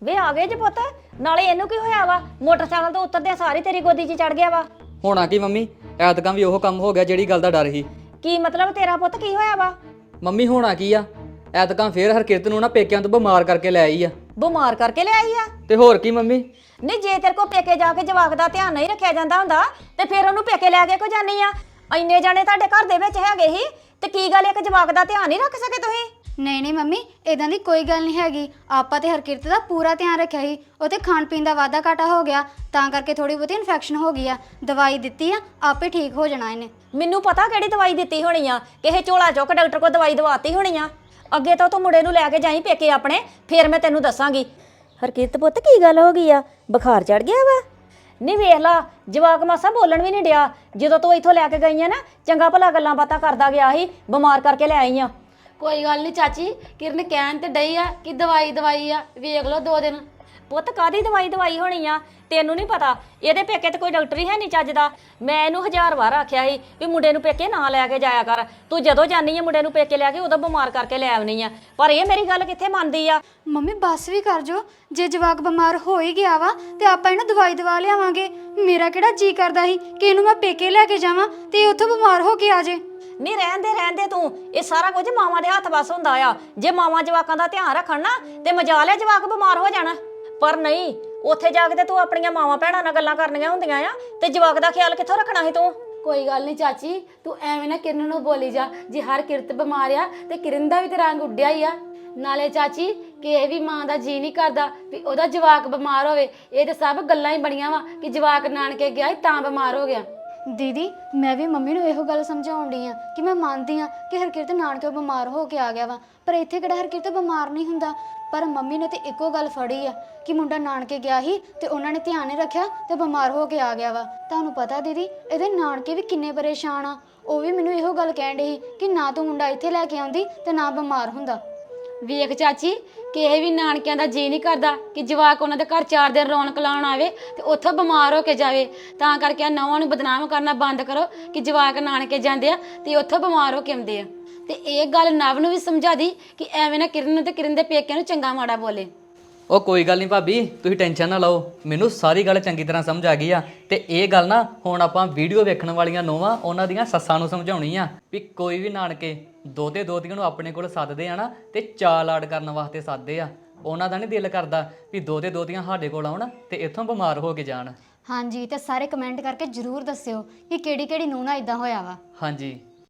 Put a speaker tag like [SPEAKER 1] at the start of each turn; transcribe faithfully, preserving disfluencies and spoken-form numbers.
[SPEAKER 1] ਵੇ ਆ ਗਏ ਜੇ ਪੁੱਤ ਨਾਲੇ ਇਹਨੂੰ ਕੀ ਹੋਇਆ ਵਾ ਮੋਟਰਸਾਈਕਲ ਤੋਂ ਉਤਰਦਿਆਂ ਸਾਰੀ ਤੇਰੀ ਗੋਦੀ 'ਚ ਚੜ ਗਿਆ ਵਾ।
[SPEAKER 2] ਹੋਣਾ ਕੀ ਮੰਮੀ ਐਤਕਾਂ ਵੀ ਉਹ ਕੰਮ ਹੋ ਗਿਆ ਜਿਹੜੀ ਗੱਲ ਦਾ ਡਰ ਸੀ।
[SPEAKER 1] ਕੀ ਮਤਲਬ ਤੇਰਾ ਪੁੱਤ ਕੀ ਹੋਇਆ ਵਾ?
[SPEAKER 2] ਮੰਮੀ ਹੋਣਾ ਕੀ ਆ ਐਤਕਾਂ ਫੇਰ ਹਰਕਿਰਤ ਨੂੰ ਨਾ ਪੇਕਿਆਂ ਤੋਂ ਬਿਮਾਰ ਕਰਕੇ ਲੈ ਆਈ ਆ।
[SPEAKER 1] ਬਿਮਾਰ ਕਰਕੇ ਲਿਆਈ ਆ?
[SPEAKER 2] ਤੇ ਹੋਰ ਕੀ ਮੰਮੀ।
[SPEAKER 1] ਨਹੀਂ ਜੇ ਤੇਰੇ ਕੋ ਪੇਕੇ ਜਾ ਕੇ ਜਵਾਕ ਦਾ ਧਿਆਨ ਨਹੀਂ ਰੱਖਿਆ ਜਾਂਦਾ ਹੁੰਦਾ ਤੇ ਫਿਰ ਉਹਨੂੰ ਪੇਕੇ ਲੈ ਕੇ ਕੋ ਜਾਨੀ ਆ? ਇੰਨੇ ਜਾਣੇ ਤੁਹਾਡੇ ਘਰ ਦੇ ਵਿੱਚ ਹੈਗੇ ਹੀ ਤੇ ਕੀ ਗੱਲ ਇੱਕ ਜਵਾਕ ਦਾ ਧਿਆਨ ਨਹੀਂ ਰੱਖ ਸਕੇ ਤੁਸੀਂ?
[SPEAKER 3] ਨਹੀਂ ਨਹੀਂ ਮੰਮੀ ਇਦਾਂ ਦੀ ਕੋਈ ਗੱਲ ਨਹੀਂ ਹੈਗੀ। ਆਪਾਂ ਤੇ ਹਰਕਿਰਤ ਦਾ ਪੂਰਾ ਧਿਆਨ ਰੱਖਿਆ ਸੀ। ਉਹ ਤੇ ਖਾਣ ਪੀਣ ਦਾ ਵਾਧਾ ਘਾਟਾ ਹੋ ਗਿਆ ਤਾਂ ਕਰਕੇ ਥੋੜੀ ਬਹੁਤੀ ਇਨਫੈਕਸ਼ਨ ਹੋ ਗਈ ਆ। ਦਵਾਈ ਦਿੱਤੀ ਆ ਆਪੇ ਠੀਕ ਹੋ ਜਾਣਾ ਇਹਨੇ।
[SPEAKER 1] ਮੈਨੂੰ ਪਤਾ ਕਿਹੜੀ ਦਵਾਈ ਦਿੱਤੀ ਹੋਣੀ ਆ, ਕਿਸੇ ਝੋਲਾ ਚੁੱਕ ਡਾਕਟਰ ਕੋ ਦਵਾਈ ਦਵਾਤੀ ਹੋਣੀ ਆ। ਅੱਗੇ ਤਾਂ ਤੂੰ ਮੁੰਡੇ ਨੂੰ ਲੈ ਕੇ ਜਾਈ ਪੇਕੇ ਆਪਣੇ, ਫਿਰ ਮੈਂ ਤੈਨੂੰ ਦੱਸਾਂਗੀ। ਹਰਕਿਰਤ ਪੁੱਤ ਕੀ ਗੱਲ ਹੋ ਗਈ ਆ? ਬੁਖਾਰ ਚੜ ਗਿਆ ਵਾ? ਨਹੀਂ ਵੇਖ ਲਾ ਜਵਾਕ ਮਾਸਾ ਬੋਲਣ ਵੀ ਨਹੀਂ ਡਿਆ। ਜਦੋਂ ਤੂੰ ਇੱਥੋਂ ਲੈ ਕੇ ਗਈ ਆ ਨਾ ਚੰਗਾ ਭਲਾ ਗੱਲਾਂ ਬਾਤਾਂ ਕਰਦਾ ਗਿਆ ਸੀ, ਬਿਮਾਰ ਕਰਕੇ ਲੈ ਆਈ ਆ।
[SPEAKER 4] ਕੋਈ ਗੱਲ ਨਹੀਂ ਚਾਚੀ, ਕਿਰਨ ਕਹਿਣ ਤੇ ਡਈ ਆ ਕਿ ਦਵਾਈ ਦਵਾਈ ਆ, ਵੇਖ ਲਓ ਦੋ ਦਿਨ।
[SPEAKER 1] ਪੁੱਤ ਕਾਦੀ ਦਵਾਈ ਦਵਾਈ ਹੋਣੀ ਆ? ਤੈਨੂੰ ਨਹੀਂ ਪਤਾ ਇਹਦੇ ਪੇਕੇ ਤੇ ਕੋਈ ਡਾਕਟਰ ਹੀ ਹੈ ਨਹੀਂ ਚੱਜ ਦਾ। ਮੈਂ ਇਹਨੂੰ ਹਜ਼ਾਰ ਵਾਰ ਆਖਿਆ ਸੀ ਵੀ ਮੁੰਡੇ ਨੂੰ ਪੇਕੇ ਨਾ ਲੈ ਕੇ ਜਾਇਆ ਕਰ। ਤੂੰ ਜਦੋਂ ਜਾਨੀ ਆ ਮੁੰਡੇ ਨੂੰ ਪੇਕੇ ਲੈ ਕੇ ਉਦੋਂ ਬਿਮਾਰ ਕਰਕੇ ਲੈ ਆਉਣੀ ਆ, ਪਰ ਇਹ ਮੇਰੀ ਗੱਲ ਕਿੱਥੇ ਮੰਨਦੀ ਆ।
[SPEAKER 3] ਮੰਮੀ ਬੱਸ ਵੀ ਕਰ ਜੋ, ਜੇ ਜਵਾਕ ਬਿਮਾਰ ਹੋ ਹੀ ਗਿਆ ਵਾ ਤੇ ਆਪਾਂ ਇਹਨੂੰ ਦਵਾਈ ਦਵਾ ਲਿਆਵਾਂਗੇ। ਮੇਰਾ ਕਿਹੜਾ ਜੀ ਕਰਦਾ ਸੀ ਕਿ ਇਹਨੂੰ ਮੈਂ ਪੇਕੇ ਲੈ ਕੇ ਜਾਵਾਂ ਤੇ ਉੱਥੋਂ ਬਿਮਾਰ ਹੋ ਕੇ ਆ ਜੇ।
[SPEAKER 1] ਨਹੀਂ ਰਹਿਣ ਦੇ ਰਹਿਣ ਦੇ ਤੂੰ, ਇਹ ਸਾਰਾ ਕੁਝ ਮਾਵਾਂ ਦੇ ਹੱਥ ਵੱਸ ਹੁੰਦਾ ਆ। ਜੇ ਮਾਵਾਂ ਜਵਾਕਾਂ ਦਾ ਧਿਆਨ ਰੱਖਣ ਨਾ ਤੇ ਮਜਾਲ ਹੈ ਜਵਾਕ ਬਿਮਾਰ ਹੋ ਜਾਣਾ, ਪਰ ਨਹੀਂ ਉੱਥੇ ਜਾ ਕੇ ਤੇ ਤੂੰ ਆਪਣੀਆਂ ਮਾਵਾਂ ਭੈਣਾਂ ਨਾਲ ਗੱਲਾਂ ਕਰਨੀਆਂ ਹੁੰਦੀਆਂ ਆ ਤੇ ਜਵਾਕ ਦਾ ਖਿਆਲ ਕਿੱਥੋਂ ਰੱਖਣਾ ਸੀ ਤੂੰ?
[SPEAKER 4] ਕੋਈ ਗੱਲ ਨਹੀਂ ਚਾਚੀ, ਤੂੰ ਐਵੇਂ ਨਾ ਕਿਰਨ ਨੂੰ ਬੋਲੀ ਜਾ। ਜੇ ਹਰ ਕਿਰਤ ਬਿਮਾਰ ਆ ਤੇ ਕਿਰਨ ਦਾ ਵੀ ਤੇ ਰੰਗ ਉੱਡਿਆ ਹੀ ਆ। ਨਾਲੇ ਚਾਚੀ ਕਿਸੇ ਵੀ ਮਾਂ ਦਾ ਜੀ ਨਹੀਂ ਕਰਦਾ ਵੀ ਉਹਦਾ ਜਵਾਕ ਬਿਮਾਰ ਹੋਵੇ। ਇਹ ਤੇ ਸਭ ਗੱਲਾਂ ਹੀ ਬਣੀਆਂ ਵਾ ਕਿ ਜਵਾਕ ਨਾਨਕੇ ਗਿਆ ਸੀ ਤਾਂ ਬਿਮਾਰ ਹੋ ਗਿਆ।
[SPEAKER 3] ਦੀਦੀ ਮੈਂ ਵੀ ਮੰਮੀ ਨੂੰ ਇਹੋ ਗੱਲ ਸਮਝਾਉਣ ਡਈ ਆ ਕਿ ਮੈਂ ਮੰਨਦੀ ਆ ਕਿ ਹਰਕਿਰਤ ਨਾਨਕਿਓ ਬਿਮਾਰ ਹੋ ਕੇ ਆ ਗਿਆ ਵਾ, ਪਰ ਇੱਥੇ ਕਿਹੜਾ ਹਰਕਿਰਤ ਬਿਮਾਰ ਨਹੀਂ ਹੁੰਦਾ। ਪਰ ਮੰਮੀ ਨੇ ਤੇ ਇੱਕੋ ਗੱਲ ਫੜੀ ਆ ਕਿ ਮੁੰਡਾ ਨਾਨਕੇ ਗਿਆ ਸੀ ਤੇ ਉਹਨਾਂ ਨੇ ਧਿਆਨ ਨਹੀਂ ਰੱਖਿਆ ਤੇ ਬਿਮਾਰ ਹੋ ਕੇ ਆ ਗਿਆ ਵਾ। ਤੁਹਾਨੂੰ ਪਤਾ ਦੀਦੀ ਇਹਦੇ ਨਾਨਕੇ ਵੀ ਕਿੰਨੇ ਪਰੇਸ਼ਾਨ ਆ। ਉਹ ਵੀ ਮੈਨੂੰ ਇਹੋ ਗੱਲ ਕਹਿਣ ਡੇ ਸੀ ਕਿ ਨਾ ਤੂੰ ਮੁੰਡਾ ਇੱਥੇ ਲੈ ਕੇ ਆਉਂਦੀ ਤੇ ਨਾ ਬਿਮਾਰ ਹੁੰਦਾ।
[SPEAKER 4] ਵੇਖ ਚਾਚੀ ਕਿਸੇ ਵੀ ਨਾਨਕਿਆਂ ਦਾ ਜੀ ਨਹੀਂ ਕਰਦਾ ਕਿ ਜਵਾਕ ਉਹਨਾਂ ਦੇ ਘਰ ਚਾਰ ਦਿਨ ਰੌਣਕ ਲਾਉਣ ਆਵੇ ਤੇ ਉੱਥੋਂ ਬਿਮਾਰ ਹੋ ਕੇ ਜਾਵੇ। ਤਾਂ ਕਰਕੇ ਨੌਵਾਂ ਨੂੰ ਬਦਨਾਮ ਕਰਨਾ ਬੰਦ ਕਰੋ ਕਿ ਜਵਾਕ ਨਾਨਕੇ ਜਾਂਦੇ ਆ ਤੇ ਉੱਥੋਂ ਬਿਮਾਰ ਹੋ ਕੇ ਆਉਂਦੇ ਆ। ਤੇ ਇਹ ਗੱਲ ਨਵ ਨੂੰ ਵੀ ਸਮਝਾ ਦੀ ਕਿ ਐਵੇਂ ਨਾ ਕਿਰਨ ਨੂੰ ਤੇ ਕਿਰਨ ਦੇ ਪੇਕਿਆਂ ਨੂੰ ਚੰਗਾ ਮਾੜਾ ਬੋਲੇ।
[SPEAKER 2] ਉਹ ਕੋਈ ਗੱਲ ਨਹੀਂ ਭਾਬੀ, ਤੁਸੀਂ ਟੈਨਸ਼ਨ ਨਾ ਲਓ, ਮੈਨੂੰ ਸਾਰੀ ਗੱਲ ਚੰਗੀ ਤਰ੍ਹਾਂ ਸਮਝ ਆ ਗਈ ਆ। ਤੇ ਇਹ ਗੱਲ ਨਾ ਹੁਣ ਆਪਾਂ ਵੀਡੀਓ ਵੇਖਣ ਵਾਲੀਆਂ ਨੋਵਾਂ ਉਹਨਾਂ ਦੀਆਂ ਸੱਸਾਂ ਨੂੰ ਸਮਝਾਉਣੀ ਆ ਵੀ ਕੋਈ ਵੀ ਨਾਨਕੇ ਦੋਤੇ ਦੋਤੀਆਂ ਨੂੰ ਆਪਣੇ ਕੋਲ ਸੱਦਦੇ ਆ ਨਾ ਤੇ ਚਾਅ ਲਾਡ ਕਰਨ ਵਾਸਤੇ ਸੱਦਦੇ ਆ। ਉਹਨਾਂ ਦਾ ਨਹੀਂ ਦਿਲ ਕਰਦਾ ਵੀ ਦੋਤੇ ਦੋਤੀਆਂ ਸਾਡੇ ਕੋਲ ਆਉਣ ਤੇ ਇੱਥੋਂ ਬਿਮਾਰ ਹੋ ਕੇ ਜਾਣ।
[SPEAKER 3] ਹਾਂਜੀ ਤੇ ਸਾਰੇ ਕਮੈਂਟ ਕਰਕੇ ਜ਼ਰੂਰ ਦੱਸਿਓ ਕਿ ਕਿਹੜੀ ਕਿਹੜੀ ਨੂੰਹ ਨਾਲ ਇਦਾਂ ਹੋਇਆ ਵਾ।
[SPEAKER 2] ਹਾਂਜੀ।